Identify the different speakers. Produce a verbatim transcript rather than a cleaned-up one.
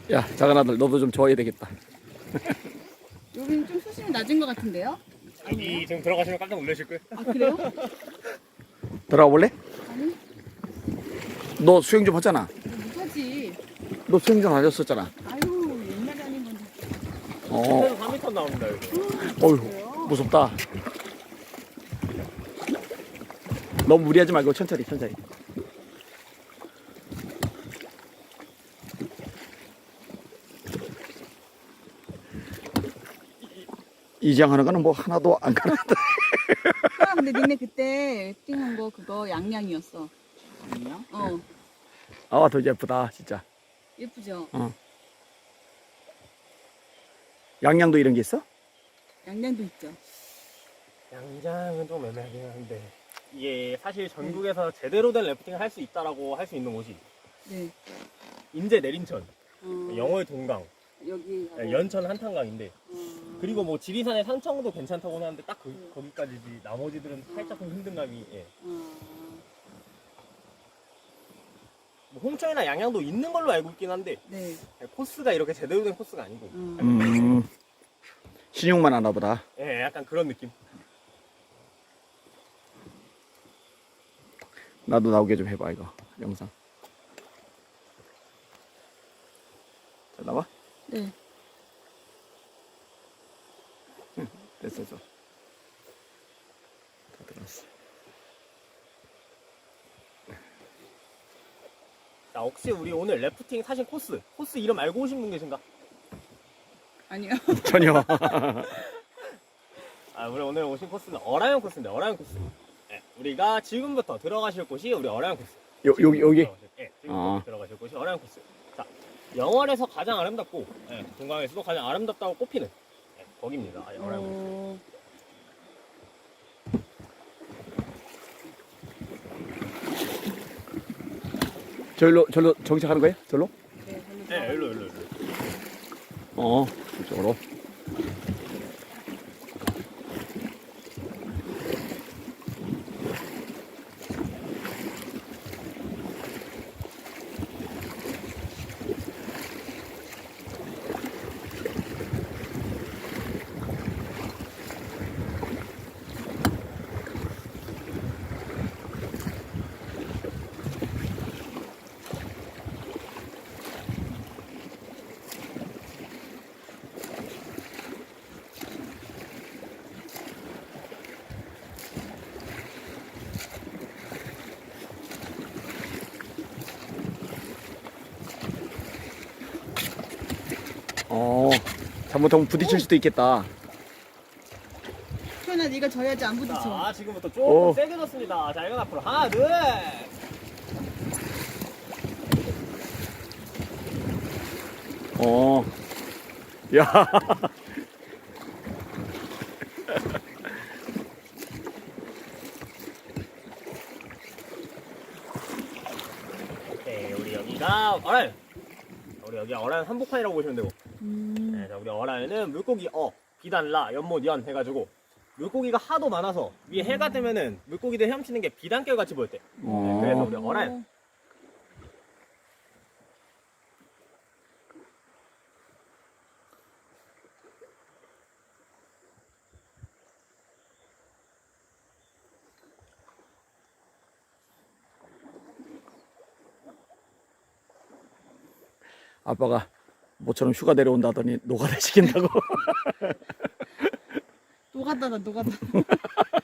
Speaker 1: 야, 작은 아들, 너도 좀 좋아해야 되겠다.
Speaker 2: 여기는 좀 수심이 낮은 것 같은데요?
Speaker 3: 여기 지금 들어가시면 깜짝 놀라실 거예요.
Speaker 2: 아 그래요?
Speaker 1: 들어가 볼래?
Speaker 2: 아니
Speaker 1: 너 수영 좀 하잖아.
Speaker 2: 못하지.
Speaker 1: 너 수영 좀 하셨었잖아.
Speaker 2: 아유 옛날에 아닌 건데.
Speaker 1: 어,
Speaker 3: 그래서 삼 미터 나옵니다 여기.
Speaker 1: 어휴, 무섭다. 너무 무리하지 말고 천천히, 천천히. 이장하는 거는 뭐 하나도 안 가는데.
Speaker 2: 아 근데 니네 그때 띵한 거 그거 양양이었어.
Speaker 3: 아니요?
Speaker 2: 어
Speaker 1: 아, 더 예쁘다, 진짜.
Speaker 2: 예쁘죠?
Speaker 1: 어. 양양도 이런 게 있어?
Speaker 2: 양양도 있죠.
Speaker 3: 양장은 좀 애매하긴 한데 이게 사실 전국에서 제대로 된 래프팅을 할 수 있다라고 할 수 있는 곳이
Speaker 2: 네.
Speaker 3: 인제 내린천,
Speaker 2: 어,
Speaker 3: 영월 동강,
Speaker 2: 여기
Speaker 3: 네, 연천 한탄강인데
Speaker 2: 어,
Speaker 3: 그리고 뭐 지리산의 상청도 괜찮다고 하는데 딱 그, 거기까지지 나머지들은 살짝 좀 힘든 감이 예.
Speaker 2: 어,
Speaker 3: 뭐 홍천이나 양양도 있는 걸로 알고 있긴 한데
Speaker 2: 네.
Speaker 3: 코스가 이렇게 제대로 된 코스가 아니고
Speaker 2: 음.
Speaker 1: 음, 신용만 하나 보다.
Speaker 3: 예, 약간 그런 느낌.
Speaker 1: 나도 나오게 좀 해봐, 이거. 영상. 자, 나와?
Speaker 2: 네.
Speaker 1: 됐어, 됐어. 다 들어왔어.
Speaker 3: 자, 혹시 우리 오늘 래프팅 사신 코스, 코스 이름 알고 오신 분 계신가?
Speaker 2: 아니요.
Speaker 1: 전혀.
Speaker 3: 아, 우리 오늘 오신 코스는 어라이언 코스인데, 어라이언 코스. 예, 우리가 지금부터 들어가실 곳이 우리 어라이언 코스.
Speaker 1: 요, 여기, 여기?
Speaker 3: 들어가실, 예, 지금부터
Speaker 1: 아.
Speaker 3: 들어가실 곳이 어라이언 코스. 자, 영월에서 가장 아름답고, 예, 동강에서도 가장 아름답다고 꼽히는 예, 거기입니다. 아, 어라이언 코스.
Speaker 2: 어,
Speaker 1: 절로, 절로 정착하는 거야? 절로?
Speaker 2: 네. 별로
Speaker 3: 예,
Speaker 2: 좋아.
Speaker 3: 일로, 일로, 일로.
Speaker 1: 어, 이쪽으로. 어, 잘못하면 부딪힐 수도 있겠다.
Speaker 2: 태연아 네가 져야지 안 부딪혀.
Speaker 3: 자, 지금부터 조금
Speaker 1: 오.
Speaker 3: 세게 졌습니다. 자, 이건 앞으로 하나, 둘.
Speaker 1: 어, 야.
Speaker 3: 오케이, 우리 여기가 어라이언. 우리 여기 어라이언 한복판이라고 보시면 되고.
Speaker 2: 음.
Speaker 3: 네, 자, 우리 어라이언은 물고기 어, 비단, 라, 연못, 연 해가지고 물고기가 하도 많아서 위에 해가 뜨면은 물고기들 헤엄치는 게 비단결 같이 보였대.
Speaker 1: 어.
Speaker 3: 그래서 우리 어라이언.
Speaker 1: 아빠가 모처럼 휴가 내려온다더니 노가다 시킨다고.
Speaker 2: 노가다다 노가다.